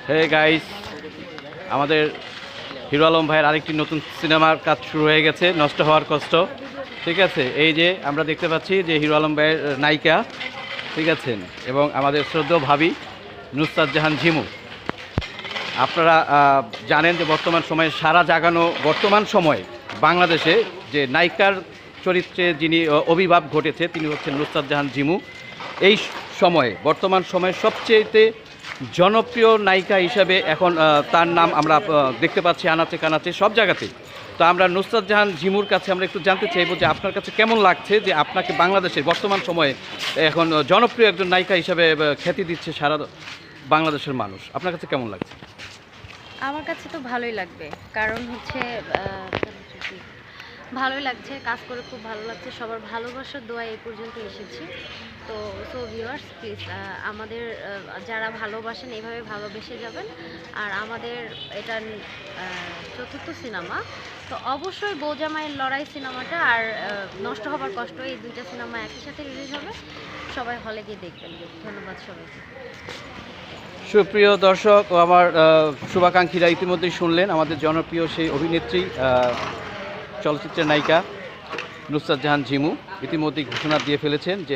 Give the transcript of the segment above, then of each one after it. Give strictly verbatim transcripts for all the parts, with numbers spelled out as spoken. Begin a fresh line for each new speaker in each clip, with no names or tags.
হে guys, আমাদের হিরো আলম ভাইয়ের আরেকটি নতুন সিনেমার কাজ শুরু হয়ে গেছে, নষ্ট হওয়ার কষ্ট। ঠিক আছে, এই যে আমরা দেখতে পাচ্ছি যে হিরো আলম ভাইয়ের নায়িকা, ঠিক আছে, এবং আমাদের শ্রদ্ধেয় ভাবি নুসরাত জাহান ঝিমু। আপনারা জানেন যে বর্তমান সময়ে সারা জাগানো বর্তমান সময়ে বাংলাদেশে যে নায়িকার চরিত্রে যিনি আবির্ভাব ঘটেছে তিনি হচ্ছেন নুসরাত জাহান ঝিমু। এই সময়ে বর্তমান সময়ে সবচেয়েতে জনপ্রিয় নায়িকা হিসাবে এখন তার নাম আমরা দেখতে পাচ্ছি আনাচে কানাচে সব জায়গাতেই। তো আমরা নুসরাত জাহান ঝিমুর কাছে আমরা একটু জানতে চাইবো যে আপনার কাছে কেমন লাগছে যে আপনাকে বাংলাদেশের বর্তমান সময়ে এখন জনপ্রিয় একজন নায়িকা হিসাবে খ্যাতি দিচ্ছে সারা বাংলাদেশের মানুষ। আপনার কাছে কেমন লাগছে?
আমার কাছে তো ভালোই লাগবে, কারণ হচ্ছে ভালোই লাগছে, কাজ করে খুব ভালো লাগছে। সবার ভালোবাসার দোয়া এই পর্যন্ত এসেছি। তো সো ভিউয়ার্স, প্লিজ আমাদের যারা ভালোবাসেন এইভাবে ভালোবেসে যাবেন। আর আমাদের এটা চতুর্থ সিনেমা, তো অবশ্যই বৌজামাইয়ের লড়াই সিনেমাটা আর নষ্ট হবার কষ্ট এই দুইটা সিনেমা একই সাথে রিলিজ হবে, সবাই হলে গিয়ে দেখবেন। ধন্যবাদ সবাইকে।
সুপ্রিয় দর্শক ও আমার শুভাকাঙ্ক্ষীরা ইতিমধ্যেই শুনলেন আমাদের জনপ্রিয় সেই অভিনেত্রী চলচ্চিত্রের নায়িকা নুসরাত জাহান ঝিমু ইতিমধ্যেই ঘোষণা দিয়ে ফেলেছেন যে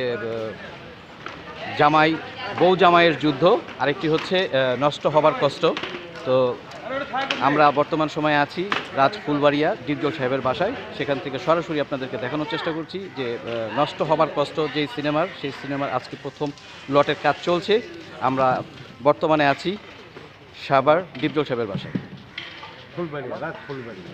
জামাই বউ জামাইয়ের যুদ্ধ, আরেকটি হচ্ছে নষ্ট হবার কষ্ট। তো আমরা বর্তমান সময়ে আছি রাজ ফুলবাড়িয়া ডিপজল সাহেবের বাসায়, সেখান থেকে সরাসরি আপনাদেরকে দেখানোর চেষ্টা করছি যে নষ্ট হবার কষ্ট যেই সিনেমার, সেই সিনেমার আজকে প্রথম লটের কাজ চলছে। আমরা বর্তমানে আছি সাভার ডিপজল সাহেবের বাসায়,
ফুলবাড়িয়া রাজ ফুলবাড়িয়া।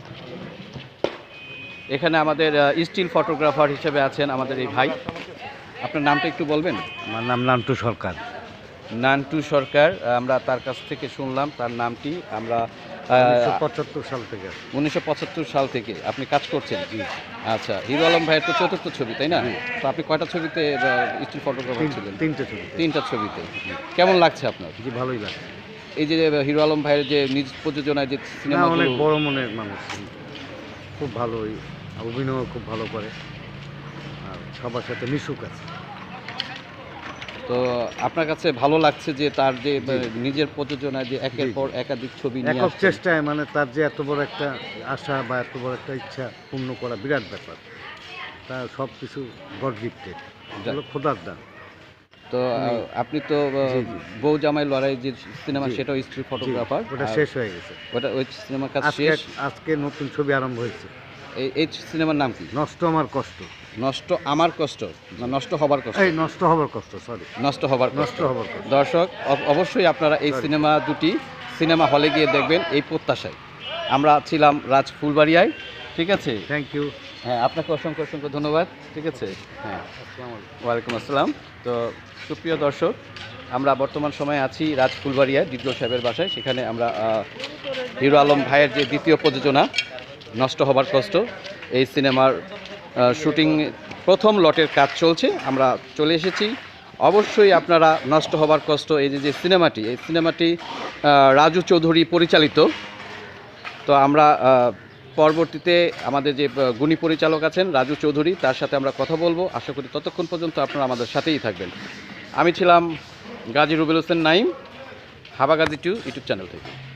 এখানে আমাদের স্টিল ফটোগ্রাফার হিসেবে আছেন আমাদের এই ভাই। আপনার নামটা একটু বলবেন?
আমার নাম নান্টু সরকার।
নান্টু সরকার, আমরা তার কাছ থেকে শুনলাম তার নামটি। আমরা
পঁচাত্তর সাল থেকে
উনিশশো পঁচাত্তর সাল থেকে আপনি কাজ করছেন। জি আচ্ছা, হিরো আলম ভাইয়ের তো চতুর্থ ছবি, তাই না? তো আপনি কয়টা ছবিতে স্টিল ফটোগ্রাফার ছিলেন?
তিনটে ছবি।
তিনটা ছবিতে। কেমন লাগছে আপনার?
জি ভালোই লাগে।
এই যে হিরো আলম ভাইয়ের যে নিজ প্রযোজনায় যে সিনেমা,
অনেক বড় মনের মানুষ, খুব ভালোই অভিনয় খুব ভালো করে আর সবার সাথে মিশুক আছে।
তো আপনার কাছে ভালো লাগছে যে তার যে নিজের প্রযোজনায় যে একের পর একাধিক ছবি নিয়ে
একক চেষ্টায়, মানে তার যে এত বড় একটা আশা বা এত বড় একটা ইচ্ছা পূর্ণ করা বিরাট ব্যাপার। তার সব কিছু গড গিফটেড, খোদার দান।
তো আপনি তো বউ জামাই লড়াই যে সিনেমা, সেটাও স্ট্রিট ফটোগ্রাফার,
ওটা শেষ হয়ে গেছে।
ওটা ওই সিনেমার কাজ শেষ,
আজকে নতুন ছবি আরম্ভ হয়েছে।
এই এই সিনেমার নাম কি?
নষ্ট আমার কষ্ট।
নষ্ট আমার কষ্ট না নষ্ট হবার কষ্ট?
এই নষ্ট হবার কষ্ট, সরি
নষ্ট হবার
নষ্ট হবার কষ্ট।
দর্শক অবশ্যই আপনারা এই সিনেমা দুটি সিনেমা হলে গিয়ে দেখবেন এই প্রত্যাশায়। আমরা ছিলাম রাজ ফুলবাড়িয়ায়, ঠিক আছে?
Thank you.
হ্যাঁ, আপনাকে অসংখ্য অসংখ্য ধন্যবাদ, ঠিক আছে? হ্যাঁ, ওয়ালাইকুম আসসালাম। তো সুপ্রিয় দর্শক, আমরা বর্তমান সময়ে আছি রাজ ফুলবাড়িয়া ডিপজল সাহেবের বাসায়। সেখানে আমরা হিরো আলম ভাইয়ের যে দ্বিতীয় প্রযোজনা নষ্ট হবার কষ্ট, এই সিনেমার শুটিং প্রথম লটের কাজ চলছে। আমরা চলে এসেছি। অবশ্যই আপনারা নষ্ট হবার কষ্ট এই যে যে সিনেমাটি, এই সিনেমাটি রাজু চৌধুরী পরিচালিত। তো আমরা পরবর্তীতে আমাদের যে গুণী পরিচালক আছেন রাজু চৌধুরী, তার সাথে আমরা কথা বলবো। আশা করি ততক্ষণ পর্যন্ত আপনারা আমাদের সাথেই থাকবেন। আমি ছিলাম Gazi Rubel Hossain Naim, Habagazi two YouTube channel থেকে।